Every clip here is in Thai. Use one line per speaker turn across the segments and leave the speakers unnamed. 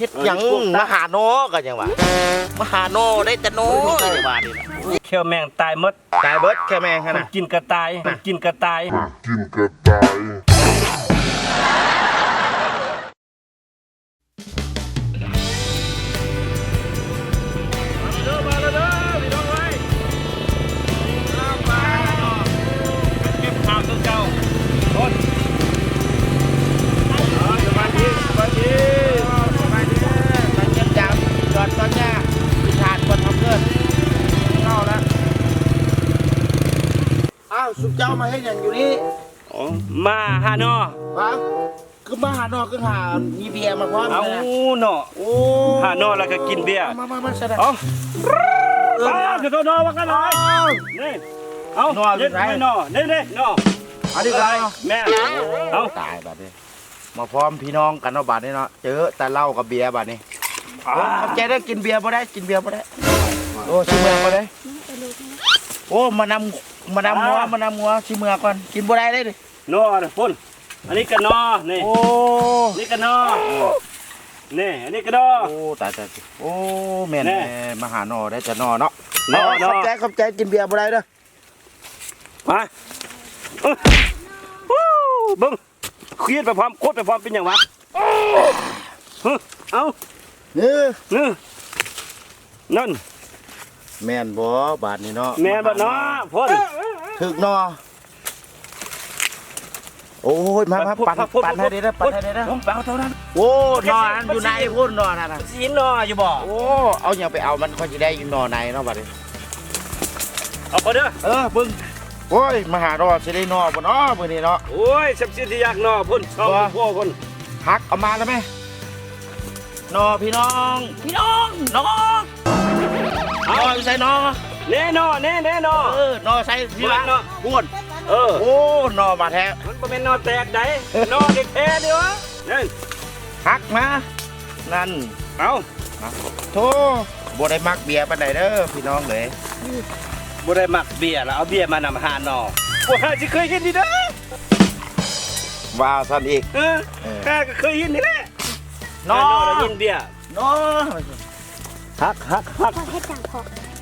ฮ็ดหยังมาหาโนก็ยังว่ามาหาโนได้แต่โนก็ยังว่านี่นะ
เขียวแมงตายหมด
ตายเบิดแค่แม่ง
มัน
นะ
กินกระต่ายมันกินกระต่าย
สุเจ้ามาให้อย่างอยู่นี่
มาหาหนอ
ฮะคือมาหานอกคือหามีเบียร์มาพร้อม
เอา
เลยนะ
หนอ
โอ้
หาหนอแล้วก็กินเบียร์
มาแสดง
เอาคือตัวนอว่ากันหน่อยนี่เอาเย็ดไม่นอนี่นอ
อันนี้ก็
แม่เอา
ตายบัดนี้มาพร้อมพี่น้องกันเนาะบัดนี้เนาะเจอแต่เหล้ากับเบียร์บัดนี้เข้าใจได้กินเบียร์บ่ได้กินเบียร์บ่ได้โอ้ชิเมือบ่ได้โอ้มานำหัวชิเมือก่อนกินบ่ได้เลยดิ
นอนะพุ่นอันนี้ก็นอนี่
โอ้
นี่ก็นอนี่อันนี้ก็นอ
โอ้ตายโอ้แม่น
แน่
มาหานอได้แต่นอเนาะ
นอ
เข้าใจกินเบียร์บ่ได้เด้อ
มาบึ้งเครียดไปพร้อมโคตรไปพร้อมเป็นอย่างวะเอา
นี่
นี่นั่น
แม่นบ่บาดนี้เนาะ
แม่บ่เนาะพ่น
ถึกนอโอ้ยมาปั่นให้ได้นะปั่นให้ได้นะ
ผมเอาเท่านั้น
โอ้นอนั้นอยู่ในพุ่นนอนั่นน่ะ
สีนออยู่บ่
โอ้เอาอย่างไปเอามันค่อยสิได้อยู่นอในเนาะบัดนี้
เอาไปเด้อ
เบิ่งโอ้ยมาหานอสิได้นอบ่เนาะมื้อนี้เนาะ
โอ้ยสับสิที่อยากนอพ่นชอบพ่อคน
หักเอามาแล้วไหมนอพี่น้องนอเอาใส่นอ
แน่นอแน่นอน
อใส่พี่ละ
นอ
พุ่น
เออ
โอ้นอมาแท้
มันเป็นนอแตกได้นอเด็กแท้ดิวะนั่น
หักมานั่น
เอา
โธ่บ่ได้มักเบียร์ปานใดเด้อพี่น้องเลย
บ่ได้มักเบียร์แล้วเอาเบียร์มานำหานอบ่ฮาสิเคยเห็นดีเด้อ
ว่าซั่นอีก
ข้าก็เคยเห็นนี่แหละ
นอ
ได้ยินเบียร์
นอ
ฮัก
ให้จังพอ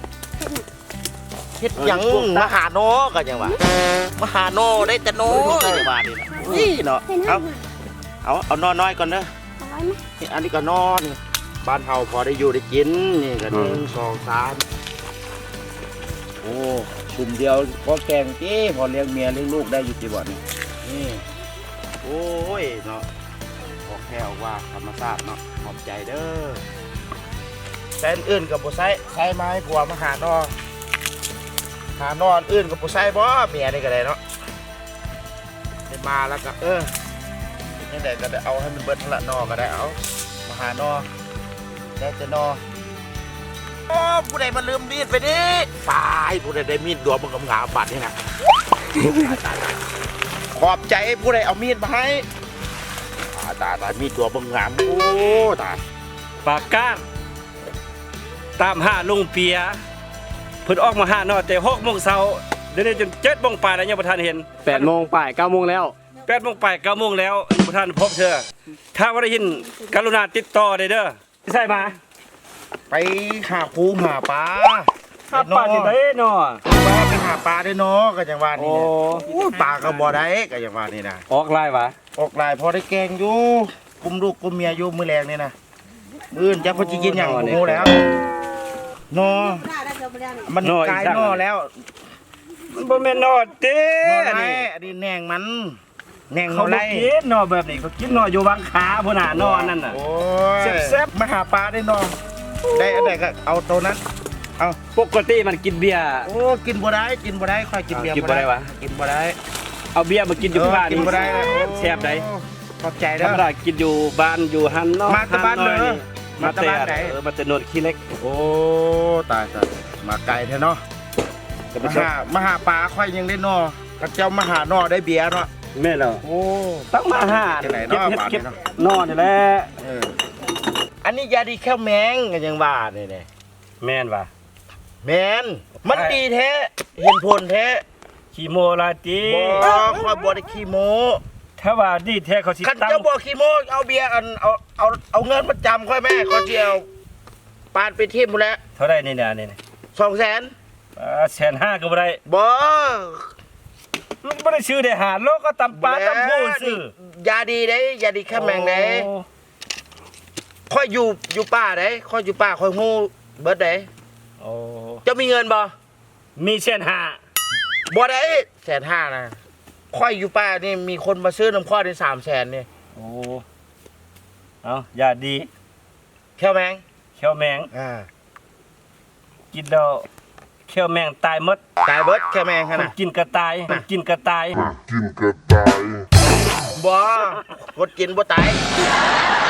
เฮ็ดหยังมาหาโนก็ยังว่ามาหาโนได้แต่โนก็ยังว่านี่นะนี่เนาะ
ให้นั่งมา
เอานอน้อยก่อนเด้อ
เอาไว้ไหม
นี่อันนี้ก็นอนี่บ้านเฮาพอได้อยู่ได้กินนี่ก็1 2 3โอ้ชุมเดียวพอแกงติพอเลี้ยงเมียเลี้ยงลูกได้อยู่ติบ่นี่นี่โอ้ยเนาะออกแค่ออกว่าธรรมชาติเนาะขอบใจเด้อแต่อื่นก็บ่ใช้ไม้ผัวมาหานอหานอนอื่นก็บ่ใช้บ่เมียนี่ก็ได้เนาะได้มาแล้วก็ยังไงก็ได้เอาให้มันเบิดละนอก็ได้เอามาหานอได้แต่นอโอ้ผู้ใดมาลืมมีดไปดิตายผู้ใดได้มีดดวงมันกำงาบัดนี่นะขอบใจผู้ใดเอามีดมาให้ตายมีดตัวบังงามโอ้ตาย
ปากก้างตามหาลุงเปียเพิ่นออกมาหานอแต่6 โมงเช้าเดี๋ยวนี้จน7 โมงปลายแล้วยังบ่ทันเห็น
8 โมงป่าย 9 โมงแล้ว
8 โมงปลาย9 โมงแล้วยังบ่ทันพบเธอถ้าว่าได้ยินกรุณาติดต่อได้เด้อใช่มา
ไปหาปูหาปลา
ถ้าปลาสิได้เนาะ
ไปหาปลาได้เนาะก็อย่างว่านี่นะโอ้ปลาก็บ่ได้ก็อย่างว่านี่นะ
ออกลายวะ
ออกหลายพอได้แกงอยู่กุมลูกกุมเมียอยู่มื้อแรงนี่นะมื้อจักเพิ่นสิกินหยังโอ้โหแล้วนอมันกลายนอแล้ว
มันบ่แม่นนอเต้
นอ
อัน
ไร
นี้
อันนี้แหนงมันแหนงน
เขา
อไร
บ่กินนอแบบนี้เขากินนออยู่บางขาพุ่นน่ะนอนั่นน่ะ
โอ้ย
แซ่บ
มาหาปลาได้นอได้อันใดก็เอาตัวนั้นเอา
ปกติมันกินเบียร์
โอ้กินบ่ได้ค่อยกินเบียร์
กินบ่ได้วะ
กินบ่ได้
เอาเบียร์มากินอยู่ที่บ้าน
กินบ่ได้
แซ่บได้
ขอบใจ
ธร
เด้
ร
อ
มดากินอยู่บ้านอยู่หันเนาะ
มาแต่บ้าน
หัอย
เด้อ
มาแต่
มาแต่บ้านไหน
มาแต่โนนขี้เล็ก
โอ้ตายมาไกลแท้เนาะ
ก็
มาหาปลาค่อยยังได้นอกับเจ้ามาหานอได้เบียร์เนาะ
แม่นแล้ว
โอ้
ต้องมาหา
ที่ไหน
เก็บ
เนาะ
เห็ด
บ้าน
เก็บ
นี่เนาะ
นอนนี่แหละ
อันนี้ยาดีแค่แมงกันยังว่าเนี่ย
แม่นว่ะ
แมนมันดีแท้เห็นผลแท้
ขี้โมลาติ
บ่ค่อยบ่ได้ขี้โม
ถ้าว่าดีแท้เขาสิ
คัน
ตั้ง
เจ้าบ่ขี้โมกเอาเบียร์เอาเงินมาจำค่อยแม่เขาสิเอาปานไปทิ่มหมดแล้ว
เท่าไรนี่เนี่ยนี่
200,000
150,000ก็บ่ได้
บ่
ลูกบ่ได้ซื้อได้หาโลก็ตำปลาตำผู้ซื้อย
าดีเด้ยาดีข้าแมงเด้
โอ้
ค่อยอยู่ป่าเด้ค่อยอยู่ป่าค่อยฮู้เบิดเด้
โอ้
เจ้ามีเงินบ่
มี150,000
บ่ได้150,000นะค่อยอยู่ป่านี่มีคนมาซื้อน้ำข้อได้300,000นี่
โอ้เอาอย่าดี
แค่แมง
เขียวแมง
กิน
แล้วเขียวแมงตายหมด
ตายเบิดแค่แมง
ค
ข
น
นาด
กินก็ตายคนกินก็ตาย
บ่คนกินบ่ตาย